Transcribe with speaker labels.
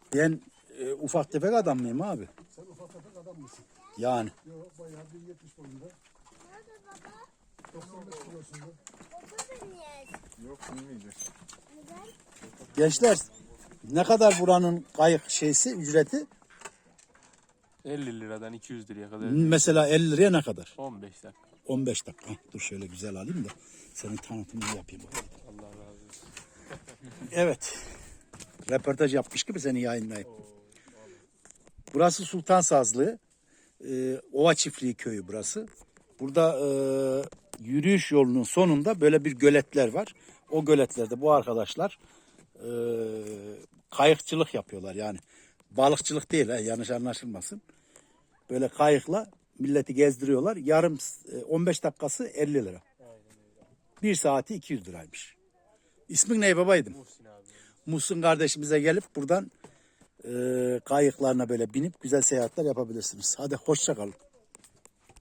Speaker 1: Ben ufak tefek adam mıyım abi?
Speaker 2: Sen ufak tefek adam mısın?
Speaker 1: Yani.
Speaker 2: Yok bayağı 1.70 boyunda.
Speaker 3: Nerede baba?
Speaker 2: 95 kilosunda.
Speaker 3: Baba niye?
Speaker 4: Yok bilmeyeceğiz.
Speaker 3: Neden?
Speaker 1: Gençler ne kadar buranın kayık şeysi ücreti?
Speaker 5: 50 liradan 200 liraya kadar.
Speaker 1: Mesela 50 liraya ne kadar?
Speaker 5: 15 dakika.
Speaker 1: 15 dakika. Hah, dur şöyle güzel alayım da senin tanıtımını yapayım.
Speaker 5: Allah razı olsun.
Speaker 1: Evet. Röportaj yapmış gibi seni yayınlayayım. Burası Sultan Sazlı. Ova Çiftliği köyü burası. Burada yürüyüş yolunun sonunda böyle bir göletler var. O göletlerde bu arkadaşlar kayıkçılık yapıyorlar yani. Balıkçılık değil, yanlış anlaşılmasın. Böyle kayıkla milleti gezdiriyorlar. Yarım 15 dakikası 50 lira. Bir saati 200 liraymış. İsmin ne babaydım?
Speaker 5: Muhsin abi.
Speaker 1: Muhsin kardeşimize gelip buradan kayıklarına böyle binip güzel seyahatler yapabilirsiniz. Hadi hoşça kalın.